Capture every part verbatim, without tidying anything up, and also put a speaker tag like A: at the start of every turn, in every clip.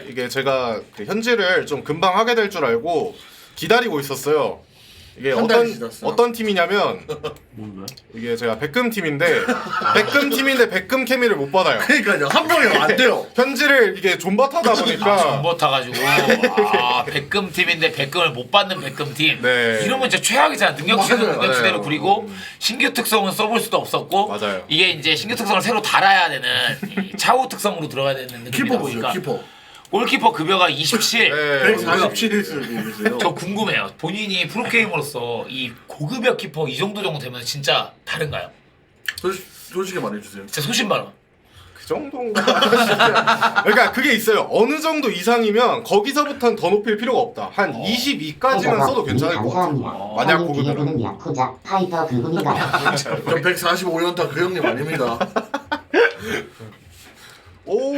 A: 이게 제가 그 현질을 좀 금방 하게 될 줄 알고 기다리고 있었어요. 이게
B: 한 달이
A: 어떤
B: 지났어.
A: 어떤 팀이냐면
C: 뭔가요?
A: 이게 제가 백금 팀인데 백금 팀인데 백금 케미를 못 받아요.
B: 그러니까요. 한 명이 안 돼요.
A: 현질을 이게 존버타다 보니까
D: 정보 타가지고 아 백금 팀인데 백금을 못 받는 백금 팀.
A: 네.
D: 이러면 진짜 최악이잖아. 능력치는
B: 맞아요.
D: 능력치대로
A: 맞아요.
D: 그리고 신규 특성은 써볼 수도 없었고
A: 맞아요.
D: 이게 이제 신규 특성을 새로 달아야 되는 이 차후 특성으로 들어가야 되는 느낌이다
B: 키퍼 보세요.
D: 보니까
B: 키퍼.
D: 골키퍼 급여가 이십칠.
A: 네.
B: 백사십칠일 수도 있어요.
D: 저 궁금해요. 본인이 프로게이머로서 이 고급여 키퍼 이 정도 정도 되면 진짜 다른가요?
B: 솔직, 솔직히 말해주세요.
D: 진짜 소신발언.
A: 그 정도인가? 그러니까 그게 있어요. 어느 정도 이상이면 거기서부터는 더 높일 필요가 없다. 한 이십이까지만 써도 괜찮을 것 같아요. 만약 고급이면.
E: 야쿠자 파이터 그분인가요?
B: 저 백사십오 연타 그 형님 아닙니다.
A: 오.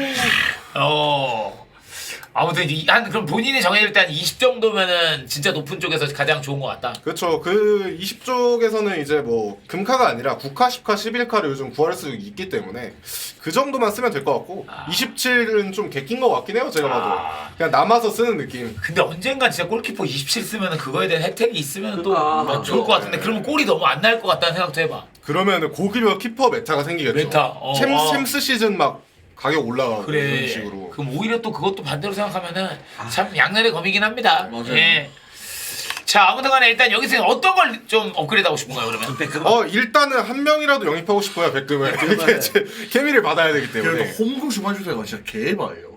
D: 어. 아무튼 이- 한 그럼 본인이 정해질 때 한 이십 정도면은 진짜 높은 쪽에서 가장 좋은 것 같다.
A: 그렇죠. 그 이십 쪽에서는 이제 뭐 금카가 아니라 구 카, 십 카, 십일 카를 요즘 구할 수 있기 때문에 그 정도만 쓰면 될 것 같고
D: 아.
A: 이십칠은 좀 개낀 것 같긴 해요. 제가 봐도
D: 아.
A: 그냥 남아서 쓰는 느낌.
D: 근데 언젠간 진짜 골키퍼 이십칠 쓰면은 그거에 대한 혜택이 있으면 또
C: 그러니까.
D: 뭐 좋을 것 같은데 그러면 골이 너무 안 날 것 같다는 생각도 해봐.
A: 그러면은 고급여 키퍼 메타가 생기겠죠.
D: 메타, 어,
A: 챔,
D: 어.
A: 챔스 시즌 막 가격 올라가고
D: 그래.
A: 이런 식으로.
D: 그럼 오히려 또 그것도 반대로 생각하면은 참 양날의 검이긴 합니다.
B: 맞아요.
D: 예. 자 아무튼간에 일단 여기서 어떤 걸 좀 업그레이드하고 싶은가요 그러면?
C: 백금.
A: 어 일단은 한 명이라도 영입하고 싶어요. 백금을. 이게 제 케미를 받아야 되기 때문에.
B: 그래도 홈구 슈마주세가 진짜 개바예요.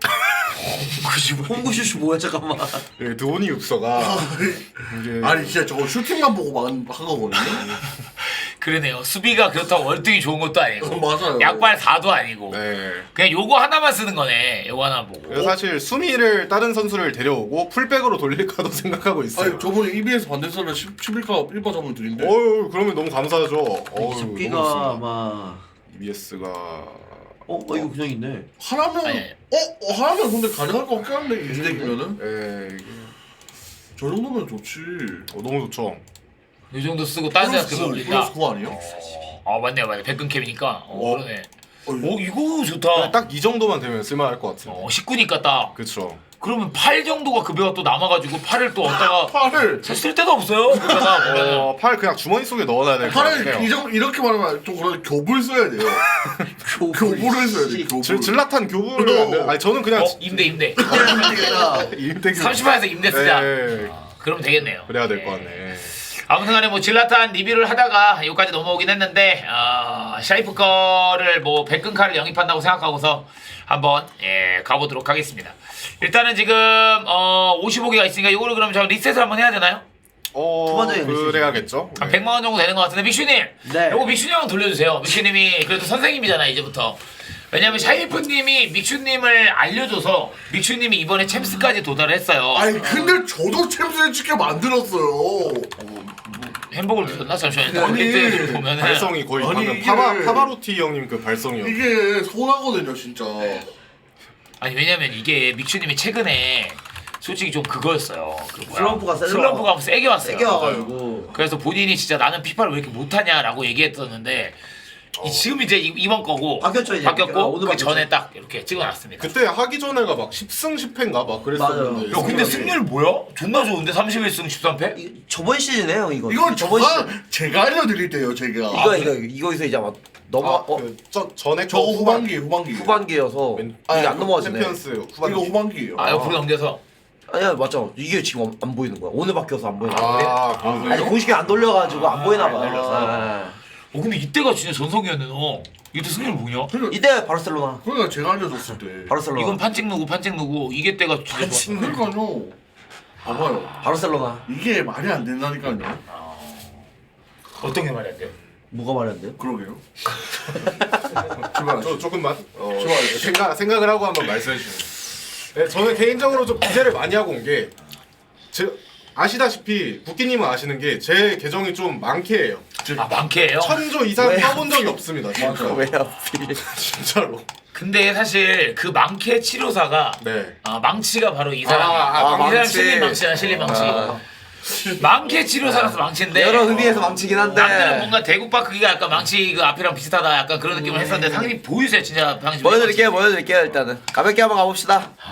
C: 홍구슈슈 뭐야 잠깐만.
A: 예, 드오니 육서가 이게
B: 아니 진짜 저거 슈팅만 보고 한, 한 거거든요.
D: 그러네요. 수비가 그렇다고 월등히 좋은 것도 아니고
B: 어, 맞아요.
D: 약발 사도 아니고
A: 네.
D: 그냥 요거 하나만 쓰는 거네. 요거 하나 보고.
A: 그래서 사실 수미를 다른 선수를 데려오고 풀백으로 돌릴까도 생각하고 있어요.
B: 아니 저번에 이비에스 반대선을 십일 카 일 바 잡으면 드린데.
A: 어유 그러면 너무 감사하죠. 어유
C: 잡기가 아마.
A: 이비에스가
C: 어, 어 이거 그냥 있네.
B: 하나면
D: 아니.
B: 어? 어 하나면 근데 가능할 것 같긴 한데 이 덱이면은
A: 예 이게
B: 저 정도면 좋지.
A: 어, 너무 좋죠.
D: 요 정도 쓰고 딴 데서
B: 플러스
D: 그거
B: 구,
D: 올린다.
B: 플러스 구 아니에요?
D: 아 맞네요, 맞네. 백근캡이니까. 어,
A: 어.
D: 그러네.
B: 어,
D: 오 이거 좋다.
A: 딱 이 정도만 되면 쓸만할 것 같아요.
D: 어 십구니까 딱.
A: 그렇죠.
D: 그러면 팔 정도가 급여가 또 남아가지고 팔을 또 얻다가
B: 팔을
D: 사실 쓸 데도 없어요. 그러다가 보면은.
A: 어, 팔 그냥 주머니 속에 넣어놔야 될 것
B: 팔을 이
A: 같아요.
B: 정도 이렇게 말하면 좀 그런 교불 써야 돼요. 교불을 써야 돼. 교불.
A: 질- 질라탄 교부를 안 돼. 아니 저는 그냥
D: 어 임대 임대.
A: 임대 교부.
D: 삼십 만에서 임대 쓰자.
A: 네.
D: 아, 그러면 되겠네요.
A: 그래야 될 것
D: 네.
A: 같네.
D: 아무튼간에 뭐 질라탄 리뷰를 하다가 여기까지 넘어오긴 했는데 어, 샤이프 거를 뭐 백근카를 영입한다고 생각하고서 한번 예, 가보도록 하겠습니다. 일단은 지금 어, 오십오 개가 있으니까 이거를 그럼 저 리셋을 한번 해야 되나요?
A: 어
C: 후반전에
A: 그래야겠죠.
D: 한
A: 네.
D: 백만 원 정도 되는 것 같은데 믹슈님
C: 네.
D: 요거 믹슈님 한번 돌려주세요. 믹슈님이 그래도 선생님이잖아 이제부터. 왜냐면 샤이프님이 믹슈님을 알려줘서 믹슈님이 이번에 챔스까지 도달을 했어요.
B: 아니 근데 저도 챔스를 찍게 만들었어요.
D: 햄버거를 드셨나? 잠시만요.
B: 아니,
D: 리셋을 보면은
A: 발성이 거의
B: 아니,
A: 방금
B: 이게-
A: 파바 파바로티 형님 그 발성이요.
B: 이게 손하거든요 진짜.
D: 아니 왜냐면 이게 믹슈님이 최근에 솔직히 좀 그거였어요. 그 뭐야?
C: 슬럼프가 세게
D: 슬럼프가
C: 와-
D: 세게 왔어요.
C: 세게 와가지고.
D: 그래서 본인이 진짜 나는 피파를 왜 이렇게 못하냐라고 얘기했었는데 이, 지금 이제 이, 이번 거고
C: 바뀌었죠, 이제.
D: 바뀌었고
C: 아, 오늘
D: 그
C: 바뀌었죠.
D: 전에 딱 이렇게 찍어놨습니다.
A: 그때 하기 전에가 막 십 승 십 패인가 막 그랬었는데.
C: 맞아요.
D: 야 근데 승률 뭐야? 존나 좋은데 삼십일 승 십삼 패?
C: 이- 저번 시즌에 형 이거.
B: 이건
C: 저번
B: 저가
C: 시즌.
B: 제가 알려드릴 때요 제가.
C: 이거 이거 이거에서 이제 아마 넘어
A: 아,
C: 어,
A: 그, 저, 전에
B: 저거
A: 거
B: 후반기 후반기.
C: 후반기여서
A: 맨-
C: 이게
B: 아,
C: 안 넘어가지네.
A: 챔피언스 후반기.
B: 이거 후반기예요.
D: 아 옆으로 넘겨서
C: 아니야 맞죠. 이게 지금 안, 안 보이는 거야. 오늘 바뀌어서 안 보이는 거야.
A: 아,
B: 아,
A: 그래요?
C: 아니 공식이 안 돌려가지고 안 보이나 봐.
D: 안 돌려서.
C: 아.
D: 어 근데 이때가 진짜 전성기였네 너. 이때 승률 뭐냐?
B: 그러니까,
C: 이때 바르셀로나.
B: 그러니까 제가 알려줬을 때.
C: 바르셀로나.
D: 이건 판찍 누구 판찍 누구 이게 때가 진짜 좋았어.
B: 그러니까요. 봐봐요.
C: 바르셀로나.
B: 이게 말이 안 된다니까요.
D: 어떤 게 말이 안 돼요?
C: 뭐가 말이 안 돼요?
B: 그러게요. 제발.
A: 저 조금만 어,
B: 좋아요.
A: 생각 생각을 하고 한번 말씀해 주세요. 네, 저는 개인적으로 좀 기대를 많이 하고 온 게 제 아시다시피 국기님은 아시는 게 제 계정이 좀 많게예요.
D: 아 많게요?
A: 천조 이상
C: 왜?
A: 타본 적이 없습니다. 진짜.
C: 왜 하필?
A: 진짜로.
D: 근데 사실 그 망케 치료사가
A: 네.
D: 아 망치가 바로 이 사람.
A: 아, 아,
D: 이 사람
A: 망치.
D: 실린 망치야 실린 망치.
A: 아.
D: 망케 치료사라서 망치인데.
C: 여러 의미에서 망치긴 한데.
D: 남들은 뭔가 대국밥 크기가 약간 망치 그 앞이랑 비슷하다 약간 그런 느낌을 했었는데 상당히 보이세요 진짜 방금.
C: 보여드릴게요, 보여드릴게요 일단은. 가볍게 한번 가봅시다.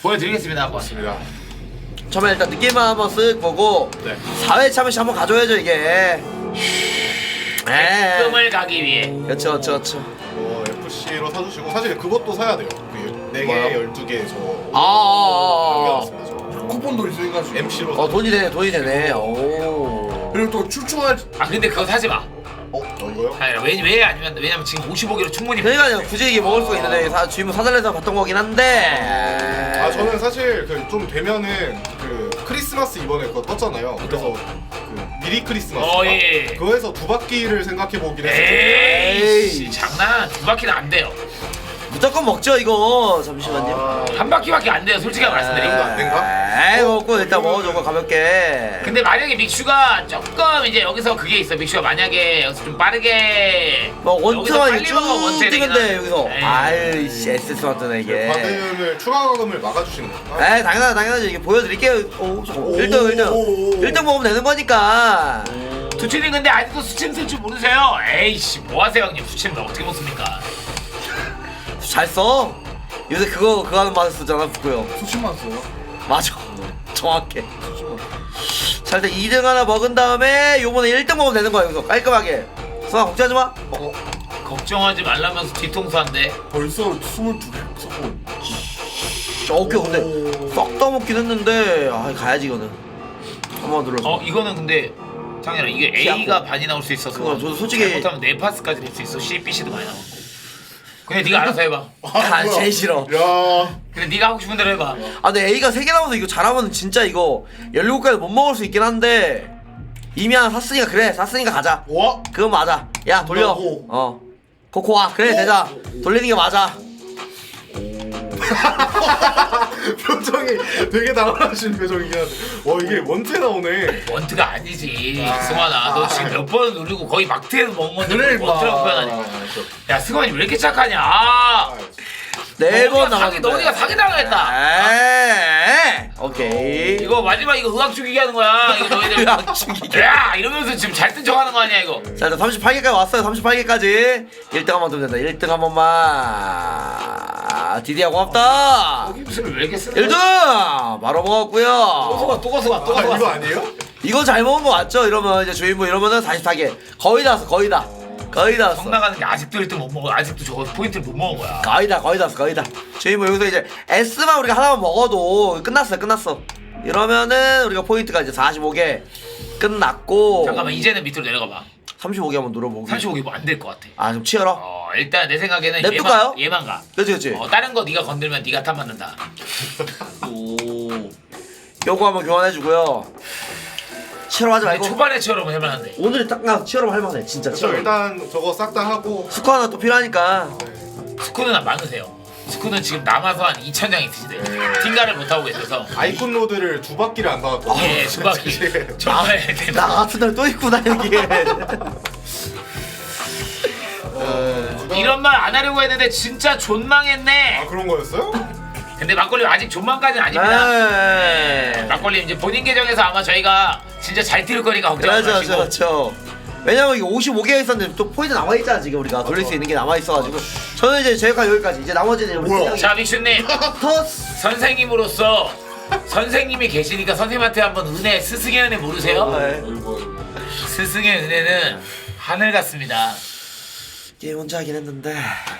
D: 보여드리겠습니다 한번.
A: 맞습니다.
C: 처음에 일단 느낌만 한번 쓱 보고
A: 네.
C: 사 회차 한번씩 한번 가져야죠 이게. 에.
D: 꿈을 가기 위해.
C: 그렇죠, 그렇죠, 그렇죠.
A: 어, 에프씨로 사주시고 사실 그것도 사야 돼요. 그 네 개,
B: 뭐요?
A: 열두 개 저
C: 아, 아, 아,
A: 남겨놨습니다. 저
B: 쿠폰도 있으니까 지금.
A: 엠씨로
C: 아. 어 돈이 되네, 돈이 되네. 오.
B: 그리고 또 출중할
D: 아 근데 그거 사지 마.
A: 어? 어 이거요?
D: 아니 왜, 왜 아니면 왜냐면 지금 오십오 개로 충분히.
C: 그러니까요, 굳이 이게 먹을 수가 있는데 사, 주인분 사달래서 봤던 거긴 한데.
A: 아 저는 사실 그 좀 되면은 그 크리스마스 이번에 그거 떴잖아요. 그래서 그 미리 크리스마스
D: 어, 예.
A: 그거에서 두 바퀴를 생각해 보긴 했어요.
D: 에이 씨, 장난. 두 바퀴는 안 돼요.
C: 무조건 먹죠 이거. 잠시만요.
A: 아,
D: 한 바퀴밖에 안 돼요. 솔직히 말씀드리고.
A: 안 된가?
C: 에이 먹고 일단 먹어줘 가볍게.
D: 근데 만약에 믹슈가 조금 이제 여기서 그게 있어. 믹슈가 만약에 여기서 좀 빠르게
C: 뭐
D: 여기서
C: 원투만
D: 빨리 먹어,
C: 쭉
D: 원투에
C: 뛰는데
D: 되긴
C: 여기서
D: 하네. 에이.
C: 아이씨 에스에스만 뜨네 이게.
A: 과금을 추가 과금을 막아주시는 건가?
C: 에이 당연하다 당연하죠 이게 보여드릴게요. 오 잠깐만
B: 오,
C: 일 등 일 등
B: 오, 오.
C: 일 등 먹으면 되는 거니까.
D: 두치님 근데 아직도 수침 쓸 줄 모르세요? 에이씨 뭐하세요 형님 수침을 어떻게 먹습니까?
C: 잘 써. 요새 그거 그거 하는 맛을 쓰잖아 북구요.
B: 수십만 써요.
C: 맞아. 정확해. 자 일단 이 등 하나 먹은 다음에 요번에 일 등 먹으면 되는 거야 여기서 깔끔하게. 수아 걱정하지 마.
A: 어,
D: 걱정하지 말라면서 뒤통수한데.
B: 벌써 스물두 개 썼고.
C: 저 오케이 근데 썩 떠먹긴 했는데 아 가야지 이거는. 한번 눌러서.
D: 어 이거는 근데 장현아 이게
C: 피하고.
D: A가 반이 나올 수 있어서
C: 그거 저도 솔직히-
D: 잘못하면 네 파스까지 될 수 있어. C, B, C도 많이 나오고. 근데 네가 알아서 해봐.
C: 아
B: 뭐야.
C: 제일 싫어.
B: 야.
D: 근데 네가 하고 싶은 대로 해봐.
C: 아 근데 A가 세 개 남아서 이거 잘하면 진짜 이거 열일곱 개못 먹을 수 있긴 한데 이미 하나 샀으니까 그래 샀으니까 가자.
B: 와.
C: 그건 맞아. 야 돌려.
B: 뭐라고?
C: 어. 코코아 그래 되자. 돌리는 게 맞아.
A: 표정이 되게 당황하신 표정이긴 한데 와 이게 원체 나오네.
D: 원트가 아니지. 승환아 너 지금 몇 번을 누르고 거의 막트에서 먹은 건데
B: 그래,
D: 뭘 원트라고
B: 임마.
D: 표현하냐. 야 승환이 왜 이렇게 착하냐. 아,
C: 네 번
D: 너네가 사기-
C: 남았는데.
D: 너네가 사기당했다.
C: 에이, 오케이.
D: 이거 마지막 이거 의학 죽이기 하는 거야. 이거 너희들
C: 의학 죽이기.
D: 야 이러면서 지금 잘 뜬 척하는 거 아니야 이거.
C: 자 일단 삼십팔 개까지 왔어요. 삼십팔 개까지 일 등 한 번 더 된다. 일 등 한 번만. 디디야 고맙다.
D: 여기 무슨 왜 이렇게 쓰는
C: 일 등 바로
D: 또
C: 먹었고요.
D: 가또 가서 또
A: 아,
D: 가서
A: 이거 아니에요?
C: 이거 잘 먹은 거 맞죠? 이러면 이제 주인분 이러면은 사십사 개 거의 다 왔어. 거의 다. 거의 다 왔어.
D: 성 나가는 게 아직도 일 등 못 먹어. 아직도 저거 포인트를 못 먹은 거야.
C: 거의 다 거의 다 왔어. 거의 다. 주인분 여기서 이제 S만 우리가 하나만 먹어도 끝났어요. 끝났어. 이러면은 우리가 포인트가 이제 사십오 개 끝났고.
D: 잠깐만 이제는 밑으로 내려가 봐.
C: 삼십오 개 한번 눌러보기.
D: 삼십오 개 뭐 안 될 것 같아.
C: 아 좀 치열어.
D: 어 일단 내 생각에는
C: 냅둘까요?
D: 얘만 얘만 가.
C: 그렇지 그렇지.
D: 어 다른 거 네가 건들면 네가 탓 받는다.
B: 오.
C: 요거 한번 교환해주고요. 치열하지
D: 근데
C: 말고.
D: 초반에 처럼 해만한데.
C: 오늘이 딱 나서 치열하면 할만해. 진짜
A: 그래서
C: 치열.
A: 일단 저거 싹 다 하고
C: 스코 하나 또 필요하니까.
D: 스쿠는 안 많으세요. 스쿠는 지금 남아서 한 이천 장 있으시대.
A: 네.
D: 팀가를 못 하고 계셔서.
A: 아이콘 로드를 두 바퀴를 안 받았거든요.
D: 예, 두 바퀴.
A: 솔직히.
D: 정말
C: 나
D: 대단.
C: 같은 날 또 있구나 여기에.
A: 어,
D: 이런 말 안 하려고 했는데 진짜 존망했네.
A: 아 그런 거였어요?
D: 근데 막걸리 아직 존망까지는 아닙니다.
C: 네.
D: 막걸리 이제 본인 계정에서 아마 저희가 진짜 잘 뛸 거니까 걱정하지
C: 그렇죠
D: 마시고.
C: 그렇죠. 왜냐면 이게 오십오 개가 있었는데 또 포인트 남아 있잖아 지금 우리가 돌릴 수 있는 게 남아 있어가지고 저는 이제 제가 여기까지 이제 나머지는 우리
B: 뭐야?
D: 자 믹슈님
C: 터스.
D: 선생님으로서 선생님이 계시니까 선생님한테 한번 은혜 스승의 은혜 모르세요?
C: 네.
B: 아이고.
D: 스승의 은혜는 하늘 같습니다.
C: 게임 혼자 하긴 했는데.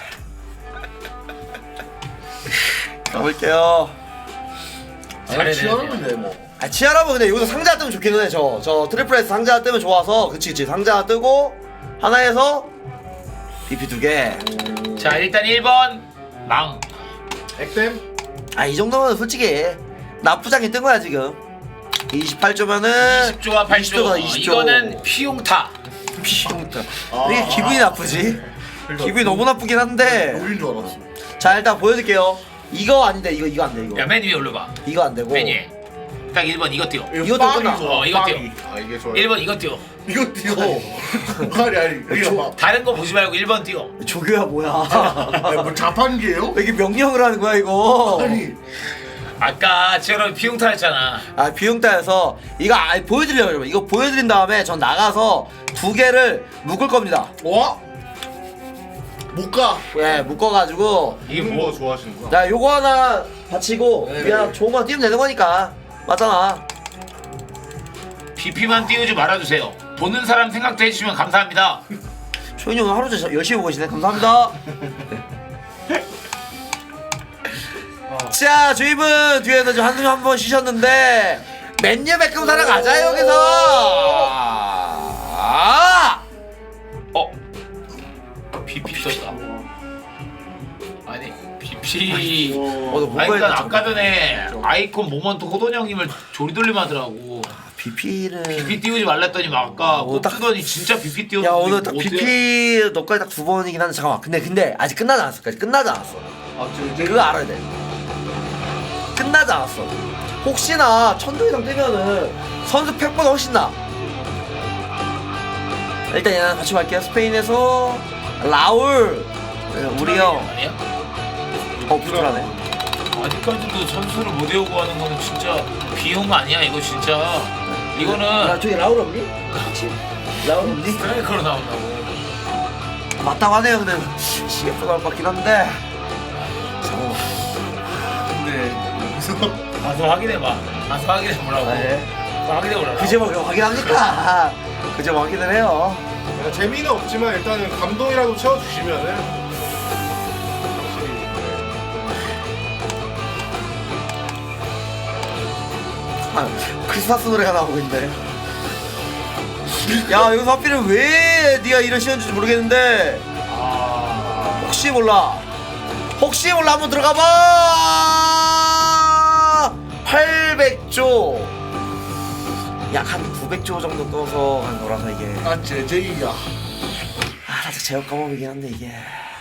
C: 가볼게요.
B: 아니 치열하면 돼 뭐.
C: 아 치아라면 근데 여기서 상자 뜨면 좋기는 해. 저 저 트리플 S 상자 뜨면 좋아서 그치 그치 상자 뜨고 하나에서 비피 두 개.
D: 자 일단 일 번 망.
A: 액땜
C: 아 이 정도면 솔직히 나쁘지 않게 뜬 거야 지금. 이십팔 조면은
D: 이십 조와 팔 조. 어,
C: 이십 조.
D: 이거는 피용타.
C: 비용타.
B: 아.
C: 이게 기분이 나쁘지? 기분이 너무 나쁘긴 한데.
B: 노인 줄 알았어.
C: 자 일단 보여드릴게요. 이거 아닌데 이거 이거 안 돼 이거.
D: 야 맨 위에 올려봐.
C: 이거 안 되고.
D: 맨 위에. 딱 일 번 이거 띄워.
C: 이것도
B: 빵이
C: 끝나.
B: 좋아,
D: 어, 이거
B: 빵이.
D: 띄워.
A: 아 이게 좋아요.
D: 일 번 이거 띄워.
B: 이거 띄워. 아니 아니 이거 봐.
D: 다른 거 보지 말고 일 번 띄워.
C: 조교야 뭐야?
B: 아니, 뭐 자판기예요?
C: 왜 이렇게 명령을 하는 거야 이거?
B: 아니
D: 아까 지금 피용타 했잖아.
C: 아 비용따여서 이거 아, 보여드리려고 여러분 이거 보여드린 다음에 전 나가서 두 개를 묶을 겁니다.
B: 와? 못 가.
C: 예 묶어가지고
D: 이게
A: 이런
D: 뭐?
A: 거 좋아하시는구나.
C: 자 요거 하나 받치고
B: 네,
C: 그냥
B: 네.
C: 좋은 거 띄우면 되는 거니까. 맞잖아.
D: 비피만 띄우지 말아주세요. 보는 사람 생각도 해주시면 감사합니다.
C: 초인이 오늘 하루 종일 열심히 보고 계시네. 감사합니다. 자, 주입은 뒤에서 좀 한숨 한번 쉬셨는데 맨유 백금 사러 가자 여기서. 아!
D: 어? 비피 썼다. 아니 비피.
C: 어, 너
D: 아니
C: 뭔가
D: 그러니까 아까 전에 아이콘 모먼트 호돈 형님을 조리돌림 하더라고.
C: 비피는
D: 비피 띄우지 말랬더니 막 아까
C: 어,
D: 꼭
C: 딱-
D: 쓰더니 진짜 비피 띄웠는데
C: 야 오늘 딱
D: 뭐 어때요?
C: 비피 너까지 딱 두 번이긴 한데 잠깐만. 근데 근데 아직 끝나지 않았어. 아직 끝나지 않았어. 그거 알아야 돼. 끝나지 않았어. 혹시나 천도 이상 뜨면은 선수 팩보다 훨씬 나. 일단 얘는 같이 갈게요. 스페인에서 라울 네, 우리 형.
D: 아니야?
C: 어 불안해.
D: 아직까지도 선수를 못 외우고 하는 거는 진짜 비용 아니야 이거 진짜.
C: 야
D: 이거는
C: 저기 라울 없니? 혹시 라울 없니?
D: 스트라이커로 나온다고.
C: 맞다고 하네요. 근데 씨에프 나올 것 같긴 한데. 잠깐만.
B: 근데 여기서
D: 가서 확인해봐. 가서 확인해보라고.
C: 아, 예.
D: 가서 확인해보라고.
C: 그제 뭐 확인합니까? 그제 확인을 해요.
A: 그러니까 재미는 없지만 일단은 감동이라도 채워주시면은 확실히
C: 아, 크리스마스 노래가 나오고 있네. 야 여기서 하필은 왜 네가 이런 시연인지 모르겠는데
D: 아...
C: 혹시 몰라 혹시 몰라 한번 들어가봐. 팔백 조 약 한 구백 조 정도 떠서 한 거라서 이게
B: 아 제제이야.
C: 아 살짝 제어 까먹이긴 한데 이게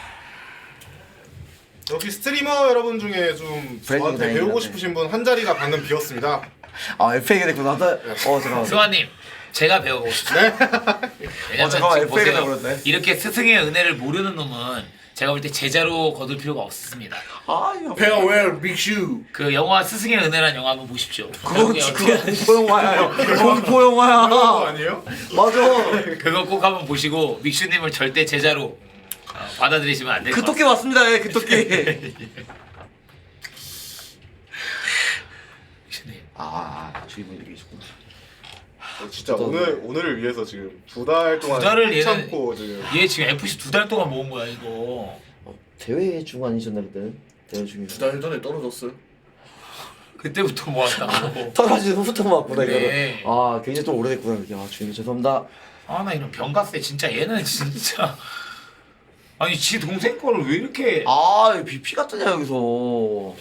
A: 여기 스트리머 여러분 중에 좀
C: 브랜딩
A: 저한테
C: 다행이다,
A: 배우고
C: 네.
A: 싶으신 분 한 자리가 방금 비었습니다.
C: 아 에프에이가 됐구나. 나- 어 잠깐만.
D: 승환님 제가 배우고 싶어요.
A: 네.
D: 왜냐면
C: 어, 잠깐만,
D: 지금
C: 에프에이가
D: 보세요.
C: 돼버렸네.
D: 이렇게 스승의 은혜를 모르는 놈은 제가 볼 때 제자로 거둘 필요가 없습니다.
C: 아 이거
B: 페어웰 빅슈.
D: 그 영화 스승의 은혜란 영화 한번 보십시오.
C: 그거
D: 그게
C: 그거
D: 어떻게-
C: 공포 영화야. 공포
A: 그런 거
C: 영화야.
A: 아니에요?
C: 맞아.
D: 그거 꼭 한번 보시고 믹슈님을 절대 제자로 어, 받아들이시면 안 될 것
C: 그
D: 같아요.
C: 토끼 맞습니다. 예, 그 토끼.
D: 믹슈님.
C: 아, 주인분이 계시구나.
A: 어, 진짜 오늘 오늘을 위해서 지금 두 달 동안
D: 두 달을 얘는-
A: 참고 지금
D: 얘 지금 에프씨 두 달 동안 모은 거야 이거.
C: 어, 대회 중 아니셨나 그때? 대회 중에.
B: 두 달 전에 떨어졌어요.
D: 그때부터 모았다고.
C: 떨어진 후부터 맞구나
D: 네.
C: 이거는. 아, 굉장히 좀 오래됐구나 이게. 아, 주인님 죄송합니다.
D: 아 나 이런 병가세 진짜 얘는 진짜 아니 지 동생 거를 왜 이렇게
C: 아, 이거 비피 같더냐 여기서.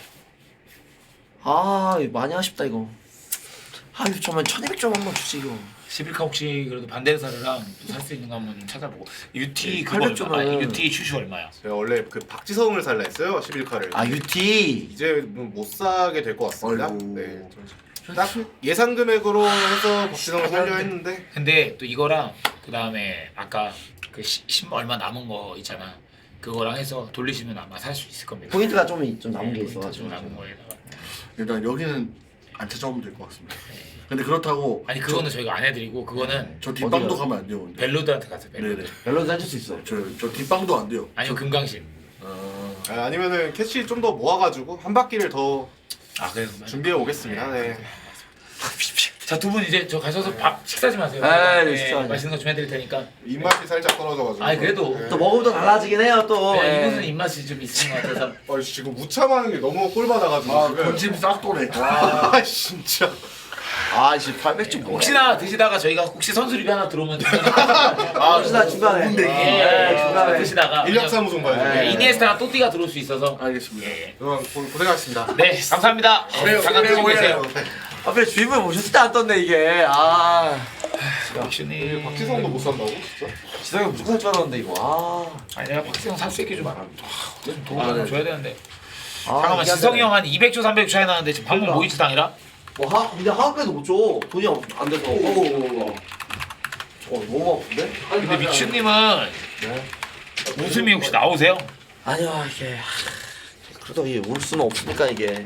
C: 아, 이거 많이 아쉽다 이거. 아, 이거 정말 천이백 점 한번 주지 이거.
D: 십일 카 혹시 그래도 반대사르랑 살 수 있는 거 한번 찾아보고 유티 그거
C: 팔백 점은-
D: 얼마? 아니, 유티 슈슈 얼마야?
A: 제가 원래 그 박지성을 살라 했어요. 십일 카를.
C: 아, 유티.
A: 이제 못 사게 될 것 같습니다.
B: 아이고.
A: 네. 딱 예상 금액으로 해서 박지성을 살려 했는데
D: 근데 또 이거랑 그 다음에 아까 그 십 얼마 남은 거 있잖아. 그거랑 해서 돌리시면 아마 살 수 있을 겁니다.
C: 포인트가 좀, 좀 남은 게
D: 네,
C: 있어가지고.
D: 좀 남은 거에다가.
B: 일단 여기는 안 찾아오면 될 것 같습니다. 근데 그렇다고
D: 아니 그거는 저희가 안 해드리고 그거는
B: 저 뒷방도
C: 어디가?
B: 가면 안 돼요. 근데.
D: 벨로드한테 가세요. 벨로드.
B: 네네.
C: 멜로디 해줄 수 있어.
B: 저, 저 뒷방도 안 돼요.
D: 아니면 금강신.
B: 어...
A: 아, 아니면은 캐시 좀 더 모아가지고 한 바퀴를 더
D: 아 그래서
A: 준비해 오겠습니다. 네.
D: 자두 분 이제 저 가셔서 밥 식사 좀 하세요.
C: 에이, 식사.
D: 맛있는 거 좀 해드릴 테니까.
A: 입맛이 살짝 떨어져가지고.
D: 아니, 그래도
A: 네.
C: 또 먹으면 또 달라지긴 해요 또.
D: 네,
C: 예.
D: 이분은 입맛이 좀 있는 것 같아서.
A: 어, 지금 무참하는 게 너무 꼴받아가지고
B: 아
A: 지금.
B: 건짐 싹도네.
A: 아 진짜.
C: 아, 이제 팔백 점.
D: 혹시나 드시다가 저희가 혹시 선수 리뷰 하나 들어오면
C: 아, 혹시나 중간에.
B: 근데
D: 예,
C: 네,
D: 예,
C: 중간에.
D: 드시다가
A: 인력사무소 봐야죠.
C: 네.
D: 예, 이니에스타나 또띠가 들어올 수 있어서.
B: 알겠습니다.
D: 예.
A: 그럼 고- 고생하셨습니다.
D: 네, 감사합니다.
B: 그래요,
D: 잠깐
B: 그래요,
D: 드시고 계세요.
B: 그래요.
C: 앞에 주인분 오셨을 때 안 떴네 이게. 아,
D: 박준이.
A: 박지성도 못 산다고 진짜?
C: 지성이 무조건 살 줄 알았는데 이거. 아,
D: 아니 내가 박지성 살 수 있게 좀 알아. 좀 돈
B: 아,
D: 좀
B: 네.
D: 줘야 되는데.
C: 아
D: 잠깐만
C: 이게 안
D: 지성이
C: 되네.
D: 형 한 이백 조 삼백 조 차이 나는데 지금 방금
C: 그러니까.
D: 모이츠 당이라?
C: 뭐 하, 근데 하급에도 못 줘. 돈이 없, 안 돼서. 오, 오, 오, 오. 어, 너무 아픈데?
D: 근데 믹슈님은 웃음이 혹시 나오세요?
C: 아니야 이게. 그래도 이게 울 수는 없으니까 이게.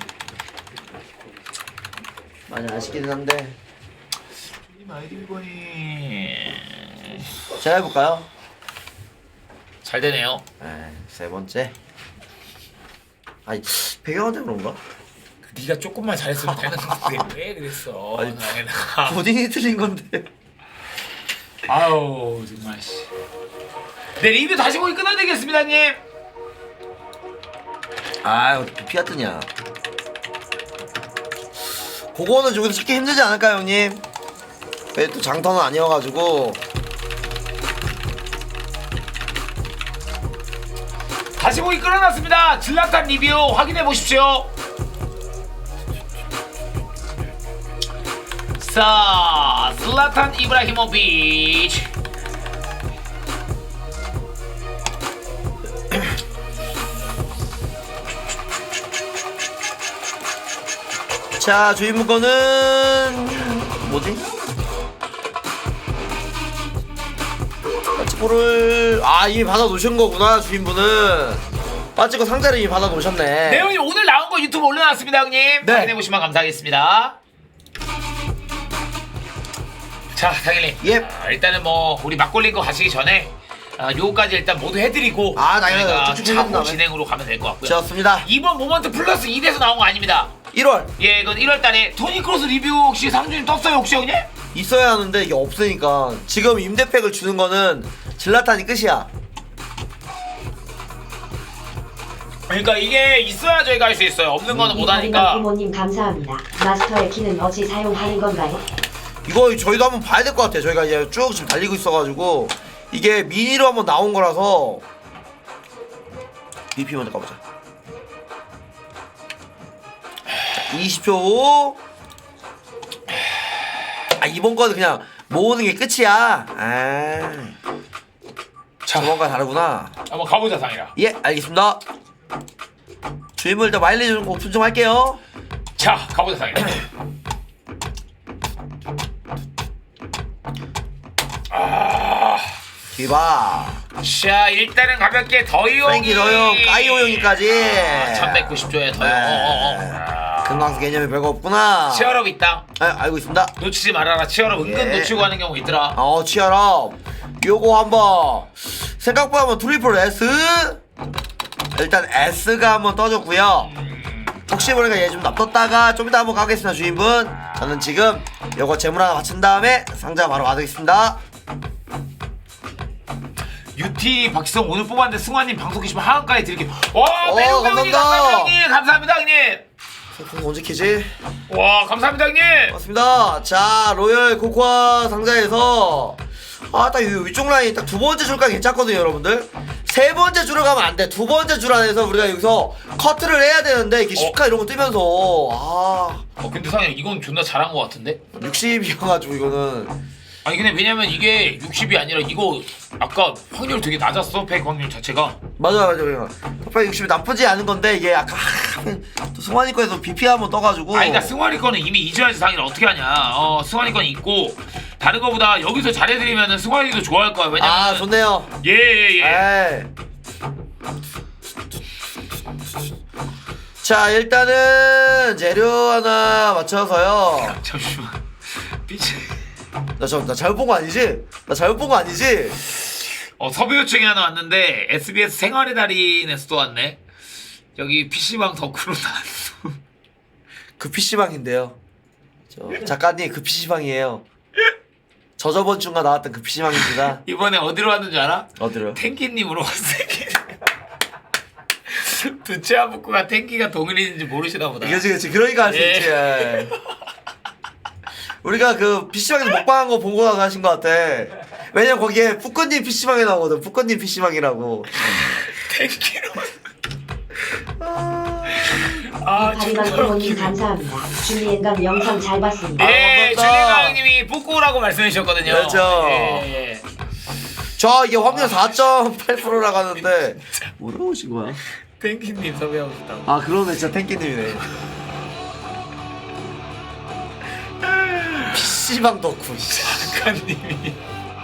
C: 많이 아쉽기는 한데.
D: 님 아이디 비번이
C: 제가 해볼까요?
D: 잘 되네요.
C: 네, 세 번째. 아니 배경한테 그런가?
D: 네가 조금만 잘했으면 되는 건데 왜 그랬어?
C: 아니,
D: 나에다가.
C: 본인이 틀린 건데.
D: 아우 정말 씨. 네 리뷰 다시 보기 끊어드리겠습니다 형님.
C: 아, 어떻게 피하트냐. 그거는 여기서 찾기 힘들지 않을까요, 형님? 왜 또 장터는 아니어가지고.
D: 다시 보기 끊어놨습니다. 질라탄 리뷰 확인해 보십시오. 자, 슬라탄 이브라히모비치.
C: 자, 주인분 거는 뭐지? 빠찌코를 아 이미 받아 놓으신 거구나. 주인분은 빠찌코 상자를 이미 받아 놓으셨네.
D: 네 형님 오늘 나온 거 유튜브 올려놨습니다 형님.
C: 네.
D: 확인해 보시면 감사하겠습니다. 자 당일님.
C: 예.
D: 아, 일단은 뭐 우리 막걸리 거 가시기 전에 아, 요거까지 일단 모두 해드리고
C: 아, 당연하죠.
D: 저희가
C: 쭉쭉
D: 차후
C: 해준
D: 진행으로 가면 될 것 같고요.
C: 좋습니다.
D: 이번 모먼트 플러스 이 대에서 나온 거 아닙니다.
C: 일월
D: 예, 이건 일월 달에 토니 크로스 리뷰 혹시 상준이 떴어요 혹시 형님?
C: 있어야 하는데 이게 없으니까 지금 임대팩을 주는 거는 질라탄이 끝이야.
D: 그러니까 이게 있어야 저희가 할 수 있어요. 없는 거는 못 하니까.
E: 부모님 감사합니다. 마스터의 키는 어찌 사용하는 건가요?
C: 이거 저희도 한번 봐야 될 것 같아요. 저희가 이제 쭉 지금 달리고 있어가지고 이게 미니로 한번 나온 거라서 비피 먼저 가보자. 이십 초. 아 이번 거는 그냥 모으는 게 끝이야. 아 저번과 다르구나.
D: 한번 가보자 상이라.
C: 예 알겠습니다. 주임을 일단 마일리지 좀 오픈 좀 할게요.
D: 자 가보자 상이라. 아,
C: 디바
D: 자 일단은 가볍게 더이용이.
C: 프랭키 더용 까이오 형이까지.
D: 천백구십 조에 더용.
C: 네. 금강수 개념이 별거 없구나.
D: 치얼업 있다.
C: 아, 알고 있습니다.
D: 놓치지 말아라. 치얼업 은근
C: 예.
D: 놓치고 하는 경우 있더라.
C: 어 치열업 요거 한번 생각보다 한번 트리플 S 일단 S가 한번 떠줬고요. 혹시 모르니까 얘 좀 납뒀다가 좀 이따 한번 가겠습니다. 주인분 저는 지금 요거 재물 하나 맞춘 다음에 상자 바로 받으겠습니다.
D: 유티 박지성 오늘 뽑았는데 승환님 방송 계시면 하한가에 드릴게요. 와
C: 어,
D: 매우 배우님
C: 감사합니다.
D: 감사합니다 형님. 감사합니다 형님.
C: 상품 언제 키지?
D: 와 감사합니다 형님.
C: 맞습니다. 자 로열 코코아 상자에서 아딱 위쪽 라인 딱 두 번째 줄까 괜찮거든요 여러분들. 세 번째 줄을 가면 안 돼. 두 번째 줄 안에서 우리가 여기서 커트를 해야 되는데 이게 십 카 이런 거 뜨면서 아
D: 어 근데 상현 이건 존나 잘한 것 같은데?
C: 육십이어가지고 이거는
D: 아니 근데 왜냐면 이게 육십이 아니라 이거 아까 확률 되게 낮았어. 백 확률 자체가.
C: 맞아 맞아 맞아. top 육십이 나쁘지 않은 건데 이게 아까 또 승환이 거에서 비피 한번 떠가지고
D: 아니 나 승환이 거는 이미 이줘야지 상이라 어떻게 하냐. 어 승환이 거는 있고 다른 거보다 여기서 잘해드리면은 승환이도 좋아할 거야. 왜냐면
C: 아 좋네요.
D: 예예예. 예.
C: 에이. 자 일단은 재료 하나 맞춰서요.
D: 잠시만. 삐치.
C: 나 저 나 잘못 본 거 아니지? 나 잘못 본 거 아니지?
D: 어 섭외 요청이 하나 왔는데 에스비에스 생활의 달인에서 또 왔네. 여기 피씨방 덕후로 나왔어.
C: 그 피씨방인데요. 저 작가님 그 피씨방이에요. 저 저번 주가 나왔던 그 피씨방입니다.
D: 이번에 어디로 왔는지 알아?
C: 어디로요?
D: 탱키님으로 왔어. 두치아 북구가 탱키가 동일인지 모르시나 보다.
C: 그치 그치 그러니까 할 수
D: 예.
C: 있지. 예. 우리가 그 피씨방에서 먹방한 거 보고 나서 하신 것 같아. 왜냐면 거기에 푸꺼님 피씨방에 나오거든. 푸꺼님 피씨방이라고.
D: 탱키로. 아
E: 하이방
D: 정말
E: 부모님
D: 웃기네.
E: 감사합니다. 준비엔감 영상 잘 봤습니다.
D: 네,
C: 아,
D: 준혜가
C: 반갑다.
D: 형님이 북구라고 말씀해 주셨거든요.
C: 그렇죠.
D: 예, 예.
C: 저 이게 확률 사 점 팔 퍼센트라고 하는데 뭐라고 오신 거야?
D: 탱키님 섭외하고 싶다고.
C: 아 그러네 진짜 탱키님이네. 피씨방 덕후.
D: 작가님이.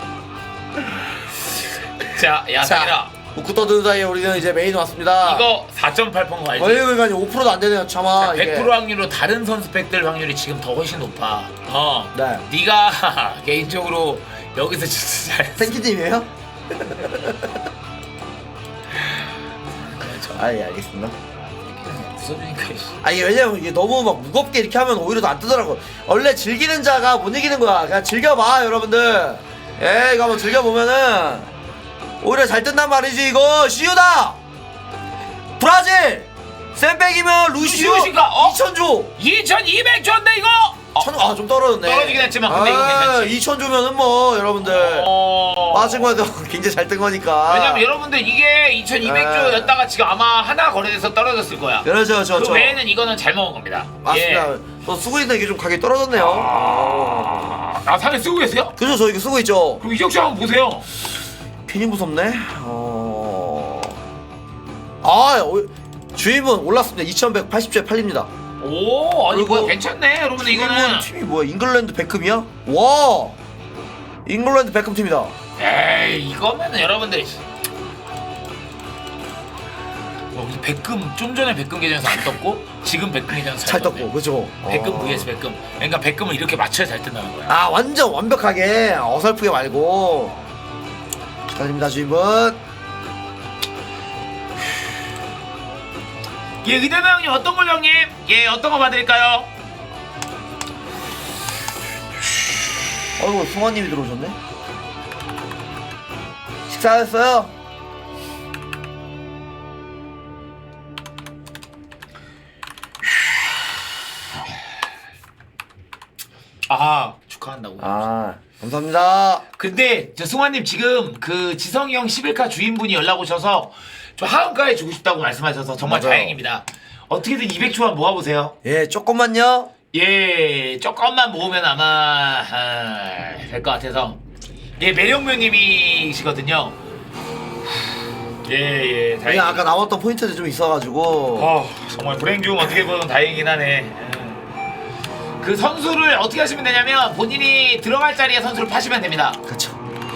D: 자, 야,
C: 자,
D: 상이라.
C: 웃고 떠드는 사이에 우리는 이제 메인 왔습니다.
D: 이거 사 점 팔 퍼센트 거 알지?
C: 어이 그러니까 오 퍼센트도 안 되네요. 참아
D: 백 퍼센트
C: 이게.
D: 확률로 다른 선수 팩들 확률이 지금 더 훨씬 높아. 어.
C: 네.
D: 네가 개인적으로 여기서 진짜 잘.
C: 탱키님이에요? 아예 알겠습니다.
D: 부서지니까. 씨.
C: 아니 왜냐면 이게 너무 막 무겁게 이렇게 하면 오히려 더 안 뜨더라고. 원래 즐기는 자가 못 이기는 거야. 그냥 즐겨봐 여러분들. 예 이거 한번 즐겨보면은 오히려 잘 뜬단 말이지. 이거 시우다 브라질 쌤백이면 루시오
D: 루시오신가? 어?
C: 이천 조.
D: 이천이백 조인데 이거. 어.
C: 천, 아 좀 떨어졌네.
D: 떨어지긴 했지만 근데 이거 괜찮지.
C: 이천 조면은 뭐 여러분들
D: 어.
C: 빠진 거도 굉장히 잘 뜬 거니까.
D: 왜냐면 여러분들 이게 이천이백 조였다가 지금 아마 하나 거래돼서 떨어졌을 거야.
C: 그렇죠
D: 그
C: 저 저.
D: 외에는 이거는 잘 먹은 겁니다.
C: 맞습니다.
D: 예.
C: 저 쓰고 있는데 이게 좀 가격이 떨어졌네요.
D: 아, 아 상에 쓰고 계세요?
C: 그죠 저 이거 쓰고 있죠.
D: 그럼 이적 씨 한번 보세요.
C: 괜히 무섭네. 어. 아 어, 주인분 올랐습니다. 이천백팔십 조에 팔립니다.
D: 오, 아니
C: 그리고
D: 뭐야 괜찮네. 여러분들
C: 주인분
D: 이거는.
C: 팀이 뭐야? 잉글랜드 베컴이야? 와. 잉글랜드 베컴 팀이다.
D: 에이 이거면은 여러분들. 어, 우리 백금 좀 전에 백금 계정에서 안 떴고 지금 백금 계정에서
C: 잘
D: 떴네.
C: 떴고 그죠?
D: 백금
C: 어.
D: vs 백금. 그러니까 백금을 이렇게 맞춰야 잘 뜬다는 거야.
C: 아 완전 완벽하게 어설프게 말고. 축하드립니다 주인분.
D: 예, 의대나 형님 어떤 걸로 형님? 예, 어떤 거 봐드릴까요?
C: 어이구 승환님이 들어오셨네. 식사하셨어요?
D: 아, 축하한다고.
C: 아 감사합니다.
D: 근데 저 승환님 지금 그 지성이 형 십일 카 주인분이 연락 오셔서 좀 하한가에 주고 싶다고 말씀하셔서 정말
C: 맞아요.
D: 다행입니다. 어떻게든 이백 초만 모아보세요.
C: 예 조금만요.
D: 예, 조금만 모으면 아마 아, 될 것 같아서. 예, 매력묘님이시거든요. 예, 예, 다행히.
C: 그냥 아까 나왔던 포인트들이 좀 있어가지고.
D: 어, 정말 불행 중 어떻게 보면 다행이긴 하네. 예. 그 선수를 어떻게 하시면 되냐면 본인이 들어갈 자리에 선수를 파시면 됩니다.
C: 그쵸.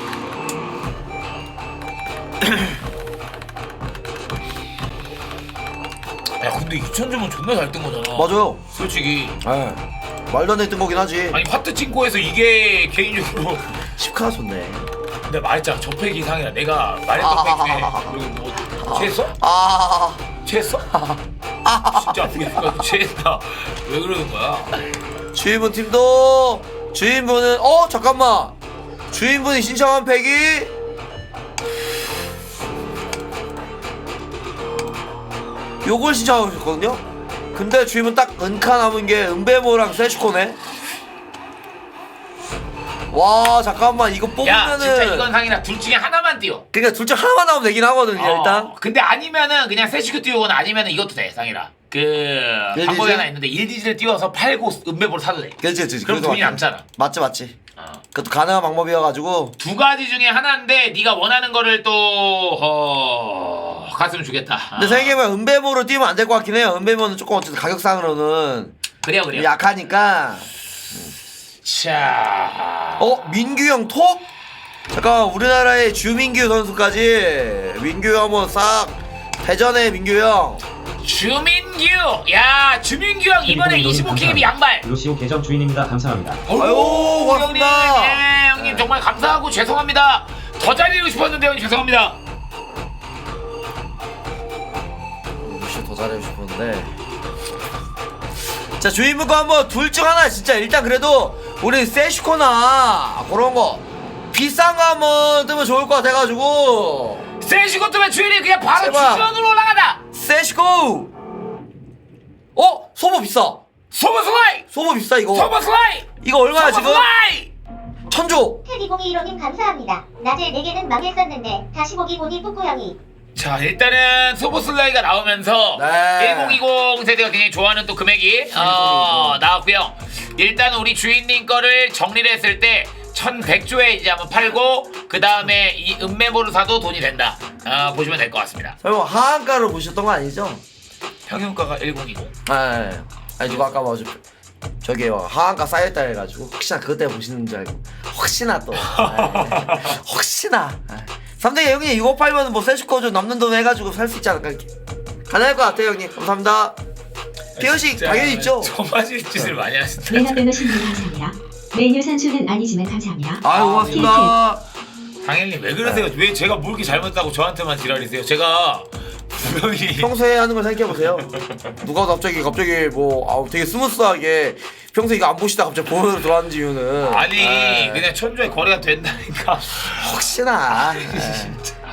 D: 야, 근데 이천 점은 존나 잘 뜬 거잖아.
C: 맞아요.
D: 솔직히.
C: 예. 말도 안 되는 뜬 거긴 하지.
D: 아니 파트 칭코에서 이게 개인적으로
C: 십 카 좋네.
D: 근데 말했잖아 저팩 이상이라 내가 말했던 팩 중에 여기 뭐 취했어?
C: 아.
D: 취했어? 진짜 아프겠다 취했다 왜 그러는 거야?
C: 주인분 팀도 주인분은 어 잠깐만 주인분이 신청한 팩이 요걸 신청하고 있었거든요. 근데 주인분 딱 은카 남은 게 은배모랑 세슈코네. 와 잠깐만 이거
D: 야 진짜
C: 뽑으면은
D: 이건 상이라 둘 중에 하나만 띄워.
C: 그러니까 둘 중 하나만 나오면 되긴 하거든요.
D: 어,
C: 일단
D: 근데 아니면은 그냥 세시큐 띄우거나 아니면은 이것도 돼 상이라 그
C: 일디지?
D: 방법이 하나 있는데 일디지를 띄워서 팔고 은배보를 사도 돼.
C: 그렇지 그렇지.
D: 그럼
C: 그래도
D: 돈이
C: 맞지.
D: 남잖아.
C: 맞지 맞지.
D: 어.
C: 그것도 가능한 방법이어가지고
D: 두 가지 중에 하나인데 네가 원하는 거를 또 어... 갔으면 주겠다.
C: 근데
D: 어.
C: 생각해보면 은배모로 뛰면 안 될 것 같긴 해요. 은배모는 조금 어쨌든 가격상으로는
D: 그래요 그래요.
C: 약하니까.
D: 자.
C: 어? 민규 형 톱? 잠깐 우리나라의 주민규 선수까지 민규 형 한번 싹 대전의 민규 형.
D: 주민규! 야 주민규 형 이번에 이십오 킬비 양발!
F: 루시오 계정 주인입니다. 감사합니다.
C: 아유, 고맙습니다.
D: 형님, 예, 형님 정말 감사하고 죄송합니다. 더 잘리고 싶었는데 형님 죄송합니다.
C: 루시 더 잘해주고 싶었는데. 자 주인분 거 한번 둘 중 하나 진짜 일단 그래도 우리 세슈코나 그런 거 비싼 거 한번 뜨면 좋을 것 같아가지고.
D: 세시고 뜨면 주인이 그냥 바로
C: 제발.
D: 주전으로 올라가다!
C: 세슈코. 어? 소보 비싸.
D: 소버슬라이!
C: 소보 비싸 이거.
D: 소버슬라이!
C: 이거 얼마야 지금?
D: 소버슬라이!
C: 천조.
G: 테디공이일호님 감사합니다. 낮에 네 개는 망했었는데 다시 보기 보니 뿌꾸형이.
D: 자 일단은 소버슬라이가 나오면서
C: 네.
D: 천이십 세대가 굉장히 좋아하는 또 금액이 어, 나왔고요. 일단 우리 주인님 거를 정리를 했을 때 천백 조에 이제 한번 팔고 그 다음에 이 은메모를 사도 돈이 된다. 어, 보시면 될 것 같습니다.
C: 설마 하한가로 보셨던 거 아니죠?
D: 평균가가 천이십.
C: 아, 아니 누가 아까 뭐 저- 저기 뭐 하한가 쌓였다 해가지고 혹시나 그것 때문에 보시는 줄 알고 혹시나 또 아, 혹시나 삼등이 형님 이거 팔면 뭐 세슈코 좀 남는 돈 해가지고 살 수 있지 않을까 이렇게 가능할 것 같아요 형님. 감사합니다. 피어식 당연히 있죠.
D: 저마실 짓을 많이 하신다.
E: 메나베너 신분 감사합니다. 메뉴 산수는 아니지만 감사합니다.
C: 아유 고맙습니다.
D: 당연히 왜 그러세요? 왜 제가 뭘 이렇게 잘못했다고 저한테만 지랄이세요? 제가 분명히
C: 평소에 하는 걸 생각해 보세요. 누가 갑자기 갑자기 뭐 아우 되게 스무스하게 평소에 이거 안 보시다 갑자기 보면서 들어왔는지 이유는
D: 아니
C: 에,
D: 그냥 천조의 거래가 된다니까.
C: 혹시나 에.